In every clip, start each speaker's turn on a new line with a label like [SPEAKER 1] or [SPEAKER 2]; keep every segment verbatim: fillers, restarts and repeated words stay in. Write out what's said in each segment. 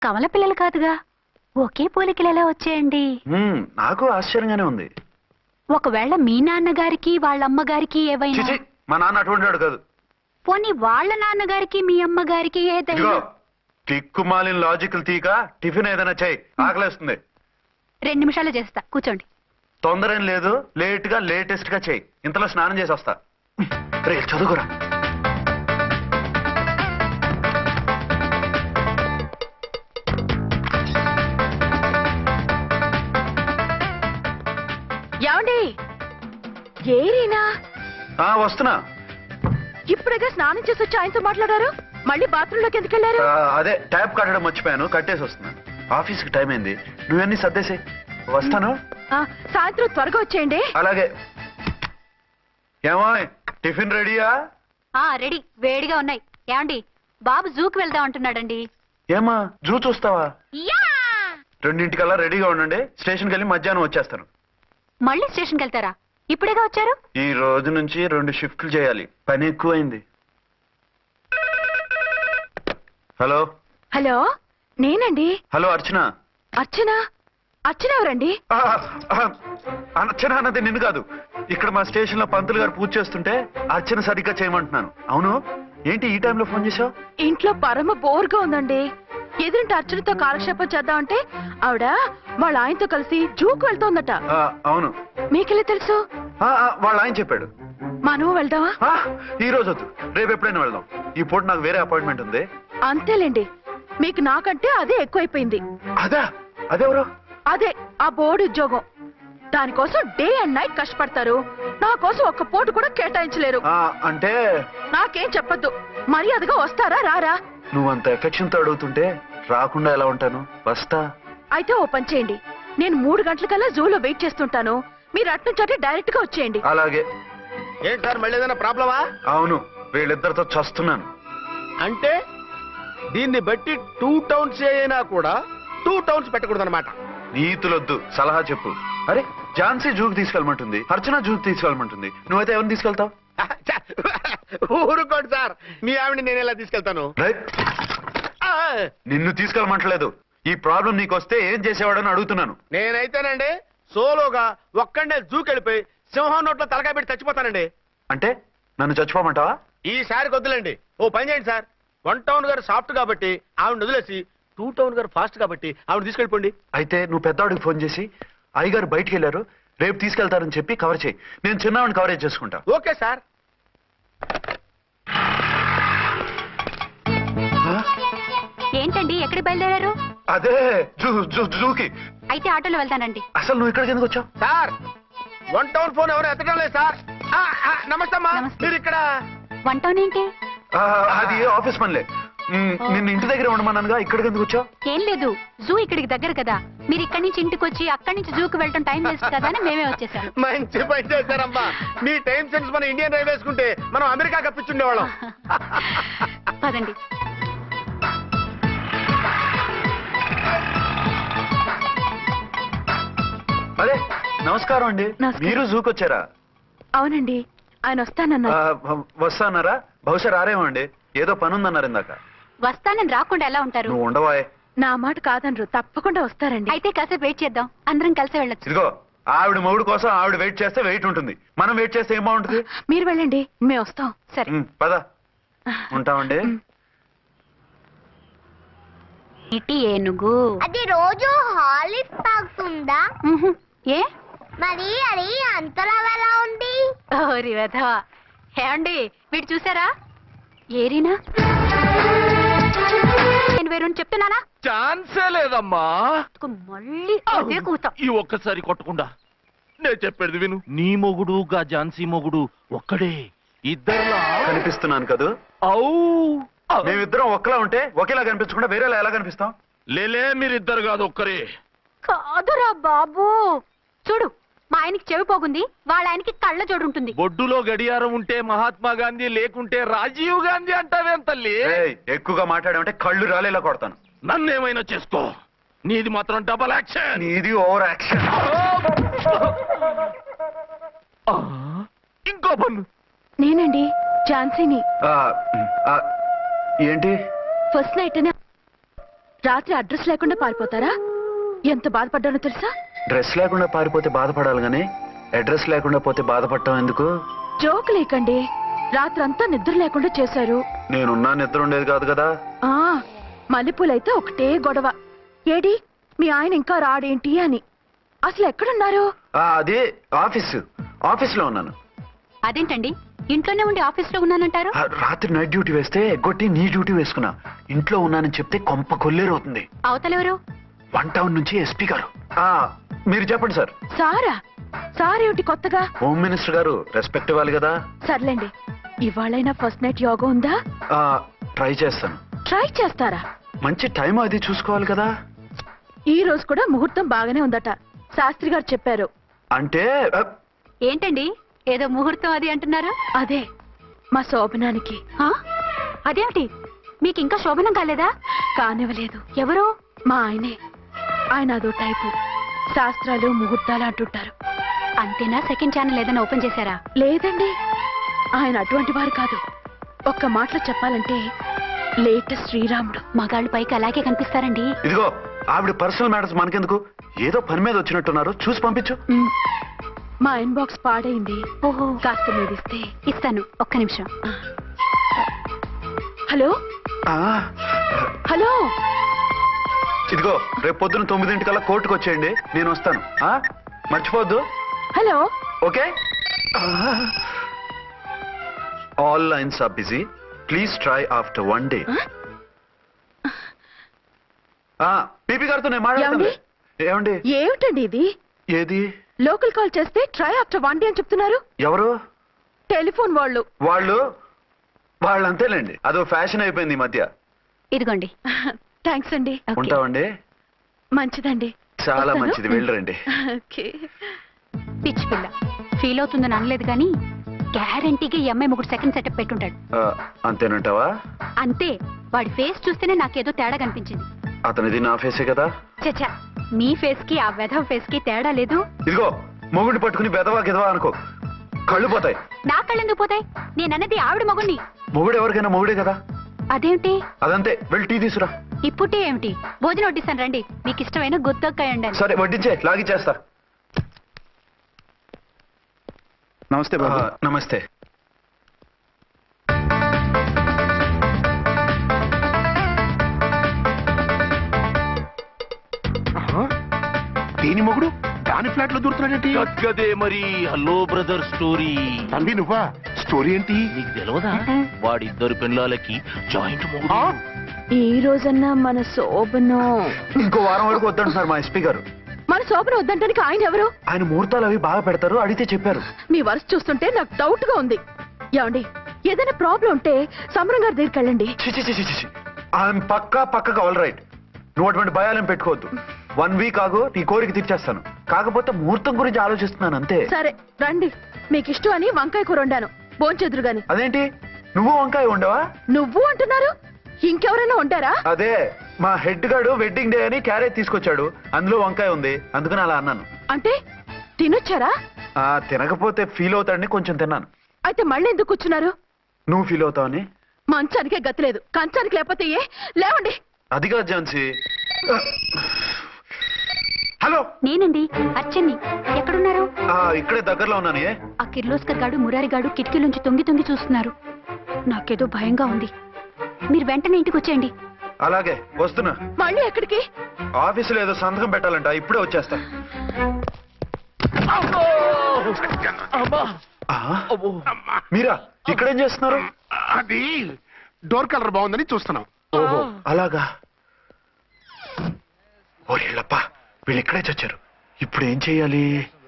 [SPEAKER 1] కమల పిల్లలు కాదుగా, ఒకే పోలికలు ఎలా వచ్చాయండి?
[SPEAKER 2] మ్మ్, నాకు ఆశ్చర్యంగానే ఉంది.
[SPEAKER 1] ఒకవేళ మీ నాన్నగారికి వాళ్ళ అమ్మగారికి ఏవైనా?
[SPEAKER 2] చిచి, మా నాన్న అటువంటి వాడు కాదు.
[SPEAKER 1] పోనీ వాళ్ళ నాన్నగారికి మీ అమ్మగారికి ఏదైనా?
[SPEAKER 2] ఇదిగో టిక్కుమాలిన లాజికల్ తీక టిఫిన్ ఏదైనా చెయ్యి, ఆకలేస్తుంది.
[SPEAKER 1] రెండు నిమిషాలు చేస్తా, కూర్చోండి.
[SPEAKER 2] తొందర ఏం లేదు, లేట్ గా లేటెస్ట్ గా చెయ్యి. ఇంతలో స్నానం చేసి వస్తా. రే చదువుకురా.
[SPEAKER 3] ఏమండి, ఏరీనా?
[SPEAKER 2] ఆ వస్తున్నా.
[SPEAKER 3] ఇప్పుడేగా స్నానం చేసి వచ్చి ఆయనతో మాట్లాడారు, మళ్ళీ బాత్రూమ్ లోకి ఎందుకు వెళ్ళారు?
[SPEAKER 2] ఆ, అదే ట్యాప్ కట్టడం మర్చిపోయాను, కట్టేసి వస్తున్నా. ఆఫీస్ కి టైం అయింది, నువ్వన్నీ సర్దేసి వస్తాను.
[SPEAKER 3] ఆ, సాయంత్రం త్వరగా వచ్చేయండి.
[SPEAKER 2] అలాగే. ఏమో టిఫిన్ రెడీయా?
[SPEAKER 1] ఆ రెడీ, వేడిగా ఉన్నాయి. ఏమండి, బాబు జూకి వెళ్దాం అంటున్నాడండి.
[SPEAKER 2] ఏమా జూ చూస్తావా?
[SPEAKER 1] యా!
[SPEAKER 2] రెండింటికల్లా రెడీగా ఉండండి, స్టేషన్కి వెళ్ళి మధ్యాహ్నం వచ్చేస్తాను.
[SPEAKER 1] మళ్ళీ స్టేషన్కి వెళ్తారా? ఇప్పుడేగా వచ్చారు.
[SPEAKER 2] ఈ రోజు నుంచి రెండు షిఫ్ట్లు చేయాలి, పని ఎక్కువైంది. హలో
[SPEAKER 3] హలో, నేనండి.
[SPEAKER 2] హలో అర్చన.
[SPEAKER 3] అర్చన? అర్చన ఎవరండి?
[SPEAKER 2] ఆ, ఆ, అర్చన అన్నది నిన్ను కాదు. ఇక్కడ మా స్టేషన్ లో పంతులు గారు పూజ చేస్తుంటే అర్చన సరిగ్గా చేయమంటున్నాను. అవును, ఏంటి ఈ టైంలో ఫోన్ చేసావు?
[SPEAKER 3] ఇంట్లో పరమ బోర్గా ఉందండి. ఎదురింటి అర్చనతో కాలక్షేపం చేద్దామంటే ఆవిడ వాళ్ళ ఆయనతో కలిసి జూకు వెళ్తోందట.
[SPEAKER 2] ఆ, అవును.
[SPEAKER 3] మీకెళ్ళి తెలుసు?
[SPEAKER 2] ఆ, ఆ, వాళ్ళ ఆయన చెప్పాడు.
[SPEAKER 3] మనము వెళ్దామా?
[SPEAKER 2] ఆ, ఈ రోజు వద్దు, రేపు ఎప్పుడైనా వెళ్దాం. ఈ పూట నాకు వేరే అపాయింట్మెంట్ ఉంది.
[SPEAKER 3] అంతేలేండి, మీకు నాకంటే అదే ఎక్కువైపోయింది.
[SPEAKER 2] అదా? అదెవరు?
[SPEAKER 3] అదే ఆ బోర్డు ఉద్యోగం. దానికోసం డే అండ్ నైట్ కష్టపడతారు, నా కోసం ఒక్క పోటు కూడా కేటాయించలేరు.
[SPEAKER 2] ఆ, అంటే
[SPEAKER 3] నాకేం చెప్పొద్దు, మర్యాదగా వస్తారా రారా?
[SPEAKER 2] నువ్వంత ఎఫెక్షన్ తో అడుగుతుంటే రాకుండా ఎలా ఉంటాను, వస్తా.
[SPEAKER 3] అయితే ఓ పని చేయండి, నేను మూడు గంటలకల్లా జూలో వెయిట్ చేస్తుంటాను, మీరు అట్నుంచి డైరెక్ట్ గా వచ్చేయండి.
[SPEAKER 2] అలాగే.
[SPEAKER 4] ఏంటి సార్, మళ్ళీ ఏదైనా ప్రాబ్లమా?
[SPEAKER 2] అవును, వీళ్ళిద్దరితో చస్తున్నాను.
[SPEAKER 4] అంటే దీన్ని బట్టి టూ టౌన్స్ అయినా కూడా టూ టౌన్స్ పెట్టకూడదు అనమాట.
[SPEAKER 2] నీతులొద్దు, సలహా చెప్పు. అరే ఝాన్సీ జూకి తీసుకెళ్ళమంటుంది, అర్చన జూకి తీసుకెళ్ళమంటుంది, నువ్వైతే ఎవరిని తీసుకెళ్తావు?
[SPEAKER 4] ఊరుకోండి సార్, మీ ఆవిడ నేను ఎలా తీసుకెళ్తాను?
[SPEAKER 2] రైట్.
[SPEAKER 4] ఆ,
[SPEAKER 2] నిన్ను తీసుకెళ్ళమంటలేదు, ఈ ప్రాబ్లం నీకొస్తే ఏం చేసేవాడని అడుగుతున్నాను.
[SPEAKER 4] నేనైతేనండి సోలోగా ఒక్కడే జూకెళ్ళిపోయి సింహం నోట్లో తలకాయ పెట్టి చచ్చిపోతానండి.
[SPEAKER 2] అంటే నన్ను చచ్చిపోమంటావా?
[SPEAKER 4] ఈసారి వద్దులేండి, ఓ పని చేయండి సార్. వన్ టౌన్ గారు సాఫ్ట్ కాబట్టి ఆవిడ వదిలేసి టూ టౌన్ గారు ఫాస్ట్ కాబట్టి ఆవిడ తీసుకెళ్ళిపోండి.
[SPEAKER 2] అయితే నువ్వు పెద్దవాడికి ఫోన్ చేసి అయ్యగారు బయటికి వెళ్ళారు, రేపు తీసుకెళ్తారని చెప్పి కవర్ చేయి, నేను చిన్నవాడిని కవరేజ్ చేసుకుంటా.
[SPEAKER 4] Okay sir.
[SPEAKER 2] ఆ?
[SPEAKER 1] ఏంటండి, ఎక్కడికి బయలుదేరారు?
[SPEAKER 2] అదే జూ జూ జూకి.
[SPEAKER 1] అయితే ఆటోలో వెళ్తానండి.
[SPEAKER 2] అసలు నువ్వు ఇక్కడికి ఎందుకు వచ్చావు?
[SPEAKER 4] సార్, వన్ టౌన్ ఫోన్ ఎవరు ఎత్తడం లేదు సార్. ఆ, ఆ, నమస్తే అమ్మా.
[SPEAKER 1] నమస్తే.
[SPEAKER 4] మీరు ఇక్కడ?
[SPEAKER 1] వన్ టౌన్ ఏంటి?
[SPEAKER 2] ఆ, అది ఆఫీస్ పనిలే. మ్, నిన్ను ఇంటి దగ్గర ఉండమన్నానుగా, ఇక్కడికి ఎందుకు వచ్చావు?
[SPEAKER 1] ఏం లేదు, జూ ఇక్కడికి దగ్గర కదా, మీరు ఇక్కడి నుంచి ఇంటికి వచ్చి అక్కడి నుంచి జూకి వెళ్ళటం టైం వేస్ట్ కదా అని మేమే వచ్చేసాం.
[SPEAKER 4] మంచి పని చేశారమ్మా. మీ టైం సెన్స్ మన ఇండియన్ రైల్వేస్ కుంటే మనం అమెరికా కప్పించుండేవాళ్ళం.
[SPEAKER 1] పదండి.
[SPEAKER 2] అదే నమస్కారం అండి.
[SPEAKER 3] నమస్కారం.
[SPEAKER 2] మీరు జూకి వచ్చారా?
[SPEAKER 3] అవునండి, ఆయన వస్తానన్నారు.
[SPEAKER 2] ఆ, వస్తానారా? బహుశా రారేమో అండి, ఏదో పని ఉందన్నారు ఇందాక.
[SPEAKER 1] వస్తానని రాకుండా ఎలా ఉంటారు?
[SPEAKER 2] నువ్వు ఉండవాయ్.
[SPEAKER 3] నా మాట కాదనరు, తప్పకుండా వస్తారండి.
[SPEAKER 1] అయితే కాసేపు వెయిట్ చేద్దాం, అందరం కలిసి వెళ్ళొచ్చు.
[SPEAKER 2] ఇదిగో ఆవిడ మొగుడు కోసం ఆవిడ వెయిట్ చేస్తే వెయిట్ ఉంటుంది, మనం వెయిట్ చేస్తే ఏం బాగుంటుంది?
[SPEAKER 3] మీరు వెళ్ళండి, మేము వస్తాం.
[SPEAKER 1] సరే.
[SPEAKER 2] మ్, పద. ఉంటామండి.
[SPEAKER 1] ఇటీ ఏనుగు
[SPEAKER 5] అది రోజు హాలిక్స్ తాగుతుందా?
[SPEAKER 1] ఉహు. ఏ
[SPEAKER 5] మరి అది అంతలా ఎలా ఉంది?
[SPEAKER 1] ఓరి వెధవా. ఏమండి, వీడు చూసారా? ఏరీనా? నేను వేరు చెప్తున్నానా?
[SPEAKER 6] ఛాన్సే లేదమ్మా.
[SPEAKER 1] మళ్ళీ అదే కూత.
[SPEAKER 6] ఈ ఒక్కసారి కొట్టకుండా నేను చెప్పేది విను. నీ మొగుడు గా ఝాన్సీ మొగుడు ఒక్కడే, ఇద్దరులా
[SPEAKER 2] కనిపిస్తున్నాను కదా?
[SPEAKER 6] ఔ
[SPEAKER 2] మేమిద్దరం ఒక్కలా ఉంటే ఒకేలా కనిపించకుండా వేరేలా ఎలా కనిపిస్తాం?
[SPEAKER 6] లేలే, మీరిద్దరు కాదు ఒక్కరే.
[SPEAKER 1] కాదురా బాబు, చూడు, మా ఆయనకి చెవి పోగుంది, వాళ్ళ ఆయనకి కళ్ళ జోడు ఉంటుంది.
[SPEAKER 6] బొడ్డులో గడియారం ఉంటే మహాత్మా గాంధీ, లేకుంటే రాజీవ్ గాంధీ అంటావేం తల్లి?
[SPEAKER 2] ఏయ్, ఎక్కువగా మాట్లాడామంటే కళ్ళు రాలేలా కొడతాను.
[SPEAKER 6] నన్నేమైనా చేసుకో, నీది మాత్రం డబల్ యాక్షన్.
[SPEAKER 2] నీది ఓవర్ యాక్షన్.
[SPEAKER 6] ఆ, ఇంకో పన్ను.
[SPEAKER 3] నేనండి ఝాన్సీని.
[SPEAKER 2] ఆ, ఆ, ఏంటి?
[SPEAKER 3] ఫస్ట్ నైట్ రాత్రి అడ్రస్ లేకుండా పారిపోతారా? ఎంత బాధపడ్డానో తెలుసా?
[SPEAKER 2] డ్రెస్ లేకుండా పారిపోతే బాధపడాలి గానీ అడ్రస్ లేకుండా పోతే బాధపడటం ఎందుకు?
[SPEAKER 3] జోక్ లేకండి. రాత్రంతా నిద్ర లేకుండా చేశారు.
[SPEAKER 2] నేనున్నా నిద్ర ఉండేది కాదు కదా.
[SPEAKER 3] ఆ మల్లెపూలైతే ఒకటే గొడవ. ఏడి మీ ఆయన ఇంకా రాడేంటి అని. అసలు ఎక్కడున్నారు?
[SPEAKER 2] ఆ, అది ఆఫీసు ఆఫీస్ లో ఉన్నాను.
[SPEAKER 1] అదేంటండి ఇంట్లోనే ఉండి ఆఫీస్ లో ఉన్నానంటారు?
[SPEAKER 2] ఆ, రాత్రి నైట్ డ్యూటీ వేస్తే ఎగ్గొట్టి నీ డ్యూటీ వేసుకున్నా. ఇంట్లో ఉన్నానని చెప్తే కొంప కొల్లేరవుతుంది.
[SPEAKER 1] అవతలెవరు?
[SPEAKER 2] వన్ టౌన్ నుంచి ఎస్పీ గారు. ఆ, మీరు చెప్పండి సార్.
[SPEAKER 3] సారా? సారేమిటి కొత్తగా?
[SPEAKER 2] హోమ్ మినిస్టర్ గారు రెస్పెక్ట్ ఇవ్వాలి కదా.
[SPEAKER 3] సర్లేండి, ఇవాళైనా ఫస్ట్ నైట్ యోగా ఉందా?
[SPEAKER 2] ఆ, ట్రై చేస్తాను.
[SPEAKER 3] ట్రై చేస్తారా?
[SPEAKER 2] మంచి టైం అది చూసుకోవాలి కదా.
[SPEAKER 3] ఈ రోజు కూడా ముహూర్తం బాగానే ఉందట, శాస్త్రి గారు చెప్పారు.
[SPEAKER 2] అంటే ఆ,
[SPEAKER 1] ఏంటండి ఏదో ముహూర్తం అది అంటున్నారు?
[SPEAKER 3] అదే మా శోభనానికి.
[SPEAKER 1] ఆ? అదేమిటి మీకు ఇంకా శోభనం కాలేదా?
[SPEAKER 3] కానివ్వలేదు.
[SPEAKER 1] ఎవరు?
[SPEAKER 3] మా ఆయనే. ఆయన అదో టైపు, శాస్త్రాలు ముహూర్తాలు అంటుంటారు.
[SPEAKER 1] అంతేనా? సెకండ్ ఛానల్ ఏదైనా ఓపెన్ చేశారా?
[SPEAKER 3] లేదండి, ఆయన అటువంటి వారు కాదు. ఒక్క మాటలో చెప్పాలంటే లేటెస్ట్ శ్రీరాముడు.
[SPEAKER 1] మగాళ్ళు పైకి అలాగే కనిపిస్తారండి.
[SPEAKER 2] ఇదిగో ఆవిడ పర్సనల్ మ్యాటర్స్ మనకెందుకు, ఏదో పని మీద వచ్చినట్టున్నారు, చూసి పంపించు.
[SPEAKER 3] మ్, మా ఇన్బాక్స్ పాడైంది.
[SPEAKER 1] ఓహో,
[SPEAKER 3] కాస్త మీదిస్తే.
[SPEAKER 1] ఇస్తాను, ఒక్క నిమిషం.
[SPEAKER 3] హలో
[SPEAKER 2] ఆ,
[SPEAKER 3] హలో
[SPEAKER 2] ఇదిగో రేపు పొద్దున తొమ్మిదింటికల్లా కోర్టుకు వచ్చేయండి, నేను వస్తాను. ఆ, మర్చిపోవద్దు.
[SPEAKER 3] Hello
[SPEAKER 2] okay. All lines are busy, please try after one day. PP గారితో నేను మాట్లాడతాను. ఏమండి?
[SPEAKER 3] ఏమిటండి ఇది?
[SPEAKER 2] ఏది?
[SPEAKER 3] లోకల్ కాల్ చేస్తే ట్రై ఆఫ్టర్ వన్ డే అని చెప్తున్నారు.
[SPEAKER 2] ఎవరు?
[SPEAKER 3] టెలిఫోన్ వాళ్ళు.
[SPEAKER 2] వాళ్ళు వాళ్ళు అంతేలేండి, అదో ఫ్యాషన్ అయిపోయింది ఈ మధ్య.
[SPEAKER 1] ఇదిగోండి.
[SPEAKER 3] థ్యాంక్స్ అండి.
[SPEAKER 1] ఓకే.
[SPEAKER 2] ఉంటామండి.
[SPEAKER 3] మంచిదండి.
[SPEAKER 2] చాలా
[SPEAKER 3] వస్తాను.
[SPEAKER 2] మంచిది, వెళ్ళరండి.
[SPEAKER 3] ఓకే.
[SPEAKER 1] పిచ్చి పిల్ల ఫీల్ అవుతుందని అనలేదు కానీ గ్యారంటీగా ఈ అమ్మాయి ముగ్గురు సెకండ్ సెటప్ పెట్టుంటాడు.
[SPEAKER 2] ఆ, అంతేనంటావా?
[SPEAKER 1] అంతే. వాడి ఫేస్ చూస్తేనే నాకేదో తేడా కనిపించింది.
[SPEAKER 2] అతనిది నా ఫేసే కదా.
[SPEAKER 1] చచ్చా, మీ ఫేస్ కి ఆ వెధవ ఫేస్ కి తేడా లేదు.
[SPEAKER 2] ఇదిగో మొగుడిని పట్టుకుని బెదవా గిదవా అనుకో, కళ్ళు పోతాయి.
[SPEAKER 1] నా కళ్ళెందుకు పోతాయి? నేనన్నది ఆవిడ మగుణ్ణి.
[SPEAKER 2] మొగుడు ఎవరికైనా మొగుడే కదా.
[SPEAKER 1] అదేమిటి?
[SPEAKER 2] అదంతే, వెళ్ళి టీ తీసురా.
[SPEAKER 1] ఇప్పుడే ఏమిటి? భోజనం వడ్డిస్తాను రండి. మీకు ఇష్టమైన గుత్తొక్కాయ ఉండండి.
[SPEAKER 2] సరే వడ్డించే, లాగిచ్చేస్తా.
[SPEAKER 7] నమస్తే బాబు.
[SPEAKER 2] ఆ, నమస్తే.
[SPEAKER 7] దేని మొగుడు దాని ఫ్లాట్ లో దూరుతున్నాడేంటి?
[SPEAKER 6] గదే మరి హలో బ్రదర్ స్టోరీ.
[SPEAKER 7] తన్వి నువ్వా? స్టోరీ ఏంటి?
[SPEAKER 6] నీకు తెలియదా? వాడిద్దరు పిల్లలకి జాయింట్ మొగుడు.
[SPEAKER 7] ఆ?
[SPEAKER 3] ఈ రోజన్నా మన శోభనం.
[SPEAKER 2] ఇంకో వారం వరకు వద్దంటున్నారు మా ఎస్పీ గారు.
[SPEAKER 3] మన శోభనం వద్దంటానికి ఆయన ఎవరు?
[SPEAKER 2] ఆయన ముహూర్తాలు అవి బాగా పెడతారు, అడిగితే చెప్పారు.
[SPEAKER 3] మీ వరుస చూస్తుంటే నాకు డౌట్ గా ఉంది. ఏమండి, ఏదైనా ప్రాబ్లం ఉంటే సమరం గారి దగ్గరికి వెళ్ళండి.
[SPEAKER 2] చిచి చిచి చిచి ఆయన పక్కా పక్కగా ఆల్ రైట్. నువ్వు అటువంటి భయాలను పెట్టుకోవద్దు. వన్ వీక్ ఆగు, నీ కోరిక తీర్చేస్తాను. కాకపోతే ముహూర్తం గురించి ఆలోచిస్తున్నాను అంతే.
[SPEAKER 3] సరే రండి, మీకు ఇష్టం అని వంకాయ కూర వండాను, భోంచెదురు గాని.
[SPEAKER 2] అదేంటి నువ్వు వంకాయ ఉండవా?
[SPEAKER 3] నువ్వు అంటున్నారు, ఇంకెవరైనా ఉంటారా?
[SPEAKER 2] అదే మా హెడ్ గాడు వెడ్డింగ్ డే అని క్యారేజ్ తీసుకొచ్చాడు, అందులో వంకాయ ఉంది, అందుకని అలా అన్నాను.
[SPEAKER 3] అంటే తినొచ్చారా?
[SPEAKER 2] ఆ తినకపోతే ఫీల్ అవుతాడని కొంచెం తిన్నాను.
[SPEAKER 3] అయితే మళ్ళీ ఎందుకు కూర్చున్నారు?
[SPEAKER 2] నువ్వు ఫీల్ అవుతావని.
[SPEAKER 3] మంచానికే గతి లేదు, కంచానికి లేకపోతే ఏ? లేవండి.
[SPEAKER 2] అది కాదు ఝాన్సీ. హలో,
[SPEAKER 1] నేనండి అచ్చన్ని. ఎక్కడున్నారు?
[SPEAKER 2] ఆ, ఇక్కడే దగ్గరలో ఉన్నాను. ఏ
[SPEAKER 1] ఆ కిర్లోస్కర్ గాడు మురారి గాడు కిటికీలోంచి తొంగి తొంగి చూస్తున్నారు. నాకేదో భయంగా ఉంది. మీరు వెంటనే ఇంటికి వచ్చేయండి.
[SPEAKER 2] అలాగే వస్తున్నా.
[SPEAKER 3] మళ్ళీ ఎక్కడికి?
[SPEAKER 2] ఆఫీసులో ఏదో సంతకం పెట్టాలంట, ఇప్పుడే వచ్చేస్తా.
[SPEAKER 6] అమ్మా.
[SPEAKER 2] ఆ,
[SPEAKER 6] అబ్బో.
[SPEAKER 2] మీరా ఇక్కడేం చేస్తున్నారు?
[SPEAKER 7] అది డోర్ కలర్ బాగుందని చూస్తున్నాం.
[SPEAKER 2] ఓహో అలాగా. ఓరేళ్ళప్ప, వీళ్ళు ఇక్కడే చచ్చారు. ఇప్పుడు ఏం చెయ్యాలి?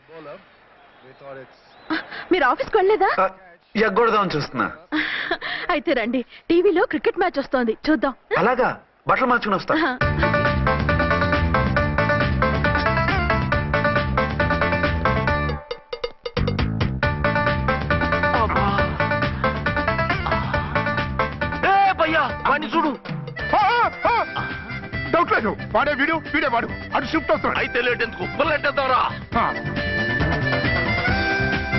[SPEAKER 3] మీరు ఆఫీస్కి వెళ్ళలేదా?
[SPEAKER 2] ఆ, ఎగ్గొడదామని చూస్తున్నా.
[SPEAKER 3] అయితే రండి, టీవీలో క్రికెట్ మ్యాచ్ వస్తోంది, చూద్దాం.
[SPEAKER 2] అలాగా, బట్టలు మార్చుకుని వస్తా.
[SPEAKER 6] ఏ భయ్యా, వాడిని చూడు.
[SPEAKER 7] డౌట్ లేదు, వాడే వీడు, వీడే వాడు. అటు షిఫ్ట్ వస్తున్నాడు.
[SPEAKER 6] అయితే లేట్ ఎందుకు, బుల్లెట్టేద్దాంరా.
[SPEAKER 7] ఆ.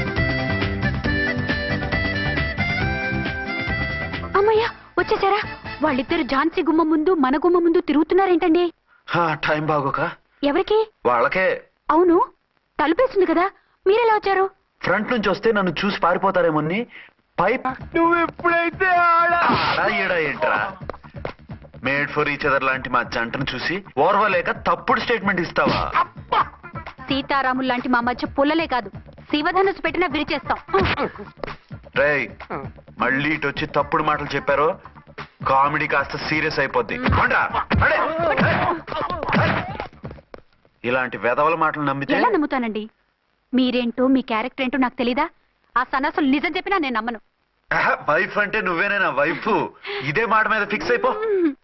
[SPEAKER 1] అమ్మయ్యా వచ్చేసారా? వాళ్ళిద్దరు ఝాన్సీ గుమ్మ ముందు మన గుమ్మ ముందు తిరుగుతున్నారేంటండి?
[SPEAKER 2] హా, టైం బాగోక
[SPEAKER 1] ఎవరికి?
[SPEAKER 2] వాళ్ళకే.
[SPEAKER 1] అవును, తలుపేసింది కదా, మీరెలా వచ్చారు?
[SPEAKER 2] ఫ్రంట్ నుంచి వస్తే నన్ను చూసి పారిపోతారేమోని పైప్.
[SPEAKER 4] నువ్వు ఎప్పుడైతే
[SPEAKER 2] ఆడా ఈడా ఏంట్రా? మేడ్ ఫర్ ఈచ్ అదర్ లాంటి మా జంటను చూసి ఓర్వలేక తప్పుడు స్టేట్మెంట్ ఇస్తావా?
[SPEAKER 1] సీతారాములు లాంటి మా మధ్య పుల్లలే కాదు, శివధనుసు పెట్టినా విరిచేస్తాం.
[SPEAKER 2] రేయ్, మళ్ళీ ఇటు వచ్చి తప్పుడు మాటలు చెప్పారో కామెడీ కాస్త సీరియస్ అయిపోద్ది. కొండ్రా, నడే. ఇలాంటి వెధవల మాటలు నమ్మితే
[SPEAKER 1] ఎలా నమ్ముతానండి? మీరేంటో మీ క్యారెక్టర్ ఏంటో నాకు తెలీదా? ఆ సన్నాసులు నిజం చెప్పినా నేను నమ్మను.
[SPEAKER 2] వైఫ్ అంటే నువ్వేనేనా వైఫ్? ఇదే మాట మీద ఫిక్స్ అయిపో.